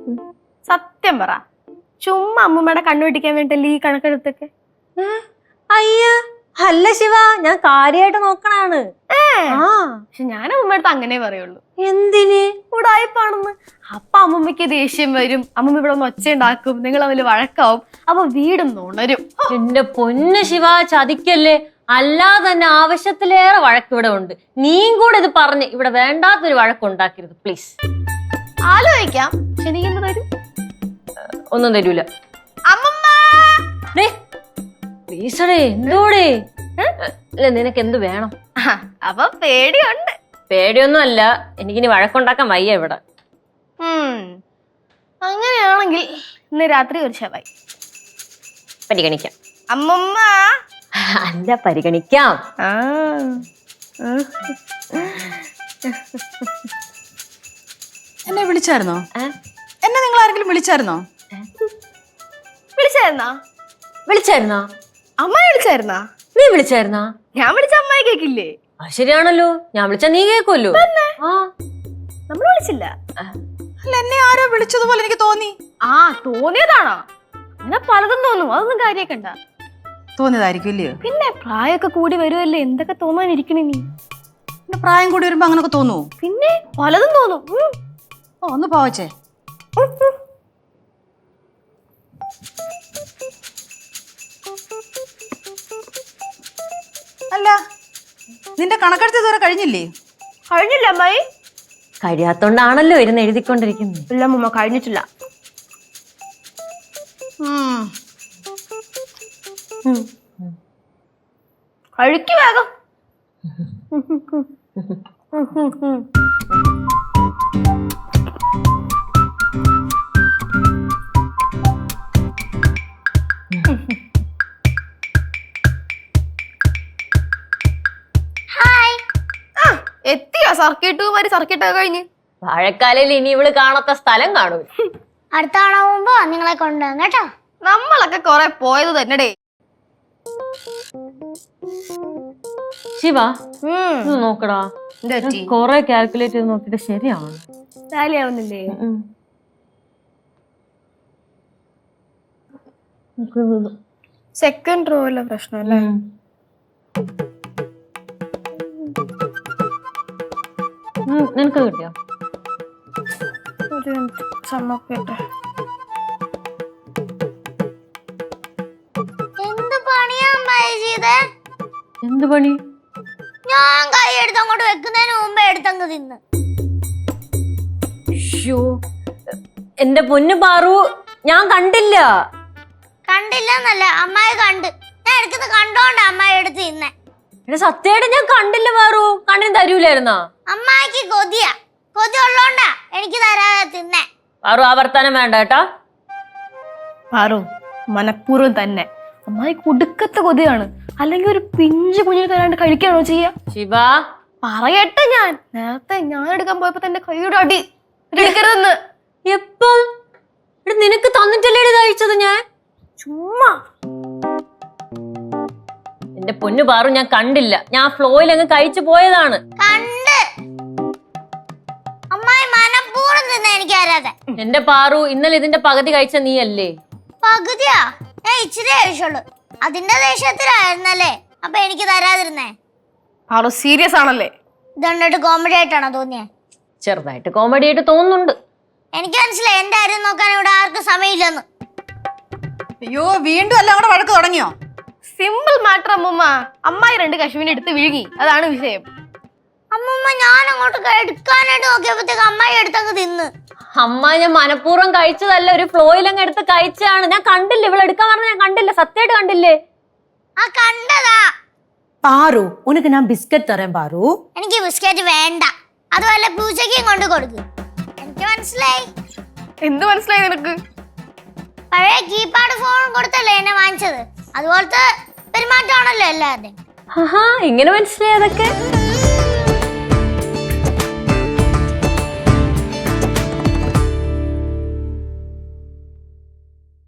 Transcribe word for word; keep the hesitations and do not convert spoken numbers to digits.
സത്യം പറ, ചുമ്മാ അമ്മൂമ്മയുടെ കണ്ണു പിടിക്കാൻ വേണ്ടിട്ടല്ലേ ഈ കണക്കെടുത്തൊക്കെ? അയ്യ അല്ല ശിവ, ഞാൻ കാര്യമായിട്ട് നോക്കണാണ്. പക്ഷെ ഞാൻ അമ്മൂമ്മയുടെ അങ്ങനെ പറയുള്ളൂ. എന്തിന്? ഉടായിപ്പാണെന്ന്. അപ്പൊ അമ്മൂമ്മയ്ക്ക് ദേഷ്യം വരും, അമ്മൂമ്മ ഇവിടെ ഒന്ന് ഒച്ച ഉണ്ടാക്കും, നിങ്ങൾ തമ്മിൽ വഴക്കാവും, അപ്പൊ വീടും നുണരും. എന്റെ പൊന്ന് ശിവ, ചതിക്കല്ലേ. അല്ലാതെ തന്നെ ആവശ്യത്തിലേറെ വഴക്ക് ഇവിടെ ഉണ്ട്. നീയും കൂടെ ഇത് പറഞ്ഞ് ഇവിടെ വേണ്ടാത്തൊരു വഴക്കുണ്ടാക്കരുത് പ്ലീസ്. ആലോചിക്കാം. പക്ഷെ നീ എന്ത് തരും? ഒന്നും തരൂല. പ്ലീസടേ, എന്തോടെ? അല്ല നിനക്ക് എന്ത് വേണം? അപ്പൊ പേടിയുണ്ട്. പേടിയൊന്നും അല്ല, എനിക്കിനി വഴക്കുണ്ടാക്കാൻ വയ്യ ഇവിടെ. അങ്ങനെയാണെങ്കിൽ ഇന്ന് രാത്രി ഒരു ശവായി പരിഗണിക്കാം. അമ്മമ്മ അല്ല, പരിഗണിക്കാം. എന്നെ വിളിച്ചായിരുന്നോ? എന്നെ നിങ്ങൾ ആരെങ്കിലും വിളിച്ചായിരുന്നോ? വിളിച്ചായിരുന്നാ? വിളിച്ചായിരുന്നാ? അമ്മായി വിളിച്ചായിരുന്നാ? നീ വിളിച്ചായിരുന്നാ? ഞാൻ വിളിച്ച അമ്മായി കേക്കില്ലേ? ശരിയാണല്ലോ, ഞാൻ വിളിച്ചാ നീ കേക്കുമല്ലോ. നമ്മൾ വിളിച്ചില്ല. അല്ല, എന്നെ ആരോ വിളിച്ചതുപോലെ എനിക്ക് തോന്നി. ആ തോന്നിയതാണോ? അങ്ങനെ പലതും തോന്നും, അതൊന്നും കാര്യക്കണ്ട. തോന്നിയതായിരിക്കും ഇല്ലയോ? പിന്നെ പ്രായമൊക്കെ കൂടി വരുമല്ലേ, എന്തൊക്കെ തോന്നാനിരിക്കണേ നീ? പ്രായം കൂടി വരുമ്പോ അങ്ങനൊക്കെ തോന്നുവോ? പിന്നെ പലതും തോന്നും. ഓ, ഒന്ന് പോവച്ചേ. അല്ല, നിന്റെ കണക്കെടുത്ത് ഇതുവരെ കഴിഞ്ഞില്ലേ? കഴിഞ്ഞില്ല അമ്മായി. കഴിയാത്തോണ്ടാണല്ലോ ഇരുന്ന് എഴുതിക്കൊണ്ടിരിക്കുന്നത്. ഇല്ല അമ്മ, കഴിഞ്ഞിട്ടില്ല. കഴിക്ക് വേഗം. എത്തിയോ സർക്കിട്ട് മാതിരി? സർക്കിട്ടൊക്കെ കഴിഞ്ഞ് വാഴക്കാലയിൽ ഇനി ഇവള് കാണാത്ത സ്ഥലം കാണൂ. അടുത്ത തവണ പോകുമ്പോ നിങ്ങളെ കൊണ്ടുവന്നു കേട്ടോ. നമ്മളൊക്കെ കൊറേ പോയത് തന്നെടേ. ശിവ, നോക്കടാ, കൊറേ കാൽക്കുലേറ്റ് ചെയ്ത് നോക്കിട്ട് ശരിയാണ്. ശരിയാവുന്നില്ലേ? സെക്കൻഡ് റോയിലെ പ്രശ്നം അല്ലേ? നിനക്ക് കിട്ടിയോ? ഒരു ചമ്മക്കട്ടെ. എന്ത് പണിയാ അമ്മായി ചെയ്തേ? എന്ത് പണി? ഞാൻ കൈ എടുത്ത് അങ്ങോട്ട് വെക്കുന്നതിന് മുമ്പേ എടുത്തങ്ങ് തിന്ന്. എന്റെ പൊന്നു പാറു, ഞാൻ കണ്ടില്ല. കണ്ടില്ലെന്നല്ല, അമ്മായി കണ്ട്. ഞാൻ എടുക്കുന്നത് കണ്ടോണ്ടാ അമ്മായി എടുത്ത് തിന്നെ. സത്യമായിട്ട് ഞാൻ കണ്ടില്ല പാറു. കണ്ണിന് തരൂലായിരുന്നാ? അമ്മായിക്ക് കൊതിയാ. കൊതി ഉള്ളോണ്ടാ എനിക്ക് തരാതെ തിന്നെ. പാറു, ആ വർത്താനം വേണ്ട കേട്ടാ. പാറു, മനഃപൂർവ്വം തന്നെ. അമ്മായി കുടുക്കത്തെ കൊതിയാണ്. അല്ലെങ്കിൽ ഒരു പിഞ്ചു കുഞ്ഞിന് തരാണ്ട് കഴിക്കാണോ ചെയ്യാ? ശിവ, പറയട്ടെ, ഞാൻ നേരത്തെ ഞാൻ എടുക്കാൻ പോയപ്പോ തന്നെ കൈയുടെ അടി എടുക്കരുതെന്ന്. എപ്പം? നിനക്ക് തന്നിട്ടല്ലേ കഴിച്ചത് ഞാൻ? ചുമ്മാ. എന്റെ പൊന്നു പാറു, ഞാൻ കണ്ടില്ല. ഞാൻ ഫ്ലോയിൽ അങ്ങ് കഴിച്ചു പോയതാണ്. കണ്ട് അമ്മായി മനഃപൂർവ്വം തിന്നെ എനിക്ക് തരാതെ. എന്റെ പാറു, ഇന്നലെ ഇതിന്റെ പകുതി കഴിച്ച നീ അല്ലേ? പകുതിയാ? ഞാൻ ഇച്ചിരി കഴിച്ചുള്ളൂ. അതിന്റെ ദേഷ്യത്തിലായിരുന്നല്ലേ അപ്പൊ എനിക്ക് തരാതിരുന്നേ? പാറു സീരിയസ് ആണല്ലേ? ഇതുണ്ടിട്ട് കോമഡി ആയിട്ടാണോ തോന്നിയേ? ചെറുതായിട്ട് കോമഡി ആയിട്ട് തോന്നുന്നുണ്ട്. എനിക്ക് മനസ്സിലായി എന്റെ കാര്യം നോക്കാൻ ഇവിടെ ആർക്കും സമയമില്ലെന്ന്. അയ്യോ, വീണ്ടും എല്ലാം കൂടെ വഴക്ക് തുടങ്ങിയോ? സിമ്പിൾ മാറ്റർ അമ്മൂമ്മ. അമ്മായി രണ്ട് കശുവിനെ എടുത്ത് വിഴുങ്ങി, അതാണ് വിഷയം. അമ്മൂമ്മ, ഞാൻ അങ്ങോട്ട് എടുക്കാനായിട്ട് നോക്കിയപ്പോഴത്തേക്ക് അമ്മായി എടുത്തങ്ങ് തിന്ന്. അമ്മ, ഞാൻ മനഃപൂർവ്വം കഴിച്ചതല്ല, ഒരു ഫ്ലോയിൽ അങ്ങ് എടുത്ത് കഴിച്ചാണ്. ഞാൻ കണ്ടില്ല, ഇവിടെ എടുക്കാൻ പറഞ്ഞ ഞാൻ കണ്ടില്ല. സത്യമായിട്ട് കണ്ടില്ലേ? ആ കണ്ടതാ. പാറു, ഉനക്ക് ഞാൻ ബിസ്ക്കറ്റ് തരാം പാറു. എനിക്ക് ബിസ്ക്കറ്റ് വേണ്ട. അതുപോലെ പൂച്ചയ്ക്കും കൊണ്ട് കൊടുക്കും. എനിക്ക് മനസ്സിലായി. എന്ത് മനസ്സിലായി നിനക്ക്? പഴയ കീപാഡ് ഫോൺ കൊടുത്തല്ലേ എന്നെ വാങ്ങിച്ചത്? അതുപോലത്തെ പെരുമാറ്റമാണല്ലോ എല്ലാവരുടെയും. ഇങ്ങനെ മനസ്സിലായി അതൊക്കെ.